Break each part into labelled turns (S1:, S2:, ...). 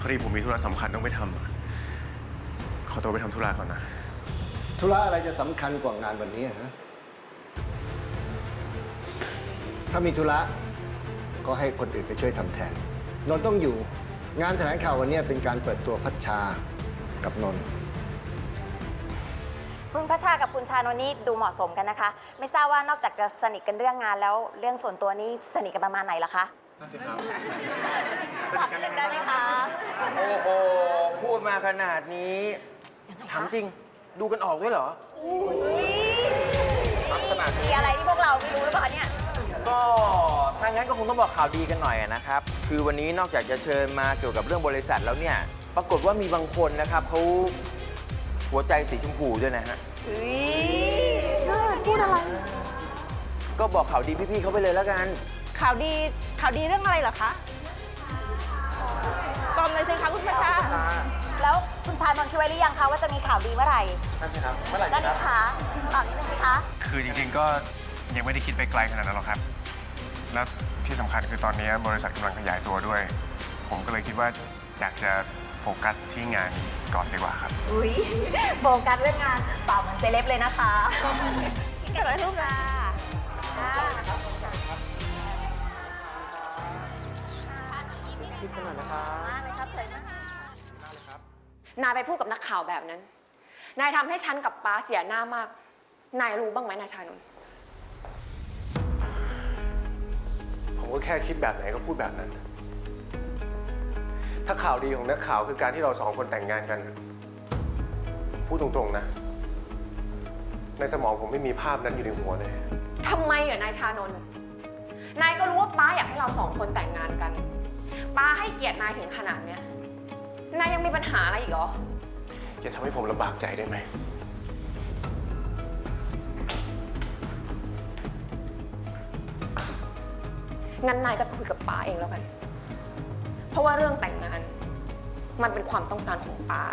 S1: อดีผมมีธุระสำคัญต้องไปทำขอตัวไปทำธุระก่อนนะ
S2: ธุระอะไรจะสำคัญกว่างานวันนี้ฮะถ้ามีธุระก็ให้คนอื่นไปช่วยทำแทน นนท์ต้องอยู่ งานแถลงข่าววันนี้เป็นการเปิดตัวพัชชากับนนท์
S3: คุณพัชชากับคุณชานนท์นี่ดูเหมาะสมกันนะคะ ไม่ทราบว่านอกจากจะสนิทกันเรื่องงานแล้วเรื่องส่วนตัวนี่สนิทกันประมาณไหนล่ะคะนั่นสิครับบอกนิดนึงได้ไหมคะ
S4: โอ้โห พูดมาขนาดนี้ถามจริง ดูกันออกด้วยเหรอ
S3: มีอะไรที่พวกเราไม่รู้หรือเปล่าเนี่ย
S4: ก็ถ้างั้นก็คงต้องบอกข่าวดีกันหน่อยนะครับ คือวันนี้นอกจากจะเชิญมาเกี่ยวกับเรื่องบริษัทแล้วเนี่ย ปรากฏว่ามีบางคนนะครับเขาหัวใจสีชมพูด้วยนะฮะ
S3: เชื่อพูดอะไร
S4: ก็บอกข่าวดีพี่ๆเขาไปเลยแล้วกัน
S5: ข่าวดีเรื่องอะไรเหรอคะกล่อมเลยสิคะคุณพัชชา
S3: แล้วคุณชานนท์คิดไว้หรือยังคะว่าจะมีข่าวดีเมื่อไหร่
S4: นั่นสิครับ เมื่อไหร่
S3: ได้ไหม
S4: ครับ
S3: คะตอบนิดนึงสิคะ
S1: คือจริงๆก็ยังไม่ได้คิดไปไกลขนาดนั้นหรอกครับ แล้วที่สำคัญคือตอนนี้บริษัทกำลังขยายตัวด้วย ผมก็เลยคิดว่าอยากจะโฟกัสที่งานก่อนดีกว่าครับ
S3: อุ้ยโฟกัสเรื่องงานเปล่าเหมือนเซเลบเลยนะคะพี่เก็บไว้ทุกค่ะคิดขนาดนะครับเชิญนะคะ
S5: นายไปพูดกับนักข่าวแบบนั้น นายทำให้ฉันกับป้าเสียหน้ามาก นายรู้บ้างไหมนายชานนท์
S1: ผมก็แค่คิดแบบไหนก็พูดแบบนั้น ถ้าข่าวดีของนักข่าวคือการที่เราสองคนแต่งงานกัน พูดตรงๆนะ ในสมองผมไม่มีภาพนั้นอยู่ในหัวเลย
S5: ทำไมเหรอนายชานนท์นายก็รู้ว่าป้าอยากให้เราสองคนแต่งงานกัน ป้าให้เกียรตินายถึงขนาดเนี้ย นายยังมีปัญหาอะไรอีกเหรอ
S1: อย่าทำให้ผมลำบากใจได้ไหม
S5: งั้นนายก็คุยกับป้าเองแล้วกัน เพราะว่าเรื่องแต่งงาน มันเป็นความต้องการของป้า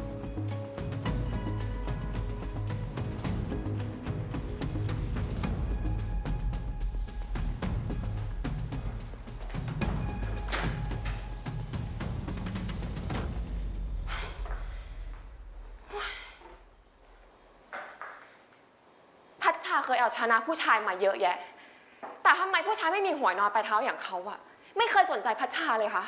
S5: พัชชาเคยเอาชนะผู้ชายมาเยอะแยะ แต่ทำไมผู้ชายไม่มีหัวนอนปลายเท้าอย่างเขาอะไม่เคยสนใจพัชชาเลยคะ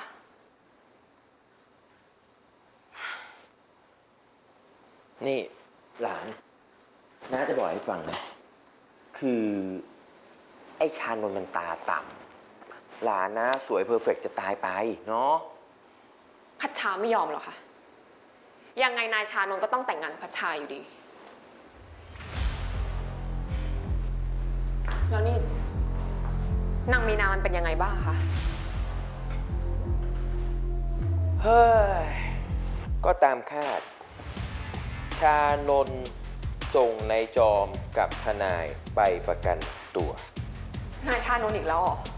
S4: นี่หลานน้าจะบอกให้ฟังนะ คือไอ้ชานนท์มันตาต่ำหลานนะสวยเพอร์เฟกต์จะตายไปเนาะ
S5: พัชชาไม่ยอมหรอกค่ะ ยังไงนายชานนท์ก็ต้องแต่งงานกับพัชชาอยู่ดี แล้วนี่นางมีนามันเป็นยังไงบ้างคะ
S4: เฮ้ย ก็ตามคาด ชานนท์ส่งนายจอมกับทนายไปประกันตัว
S5: นายชานนท์อีกแล้วเหรอ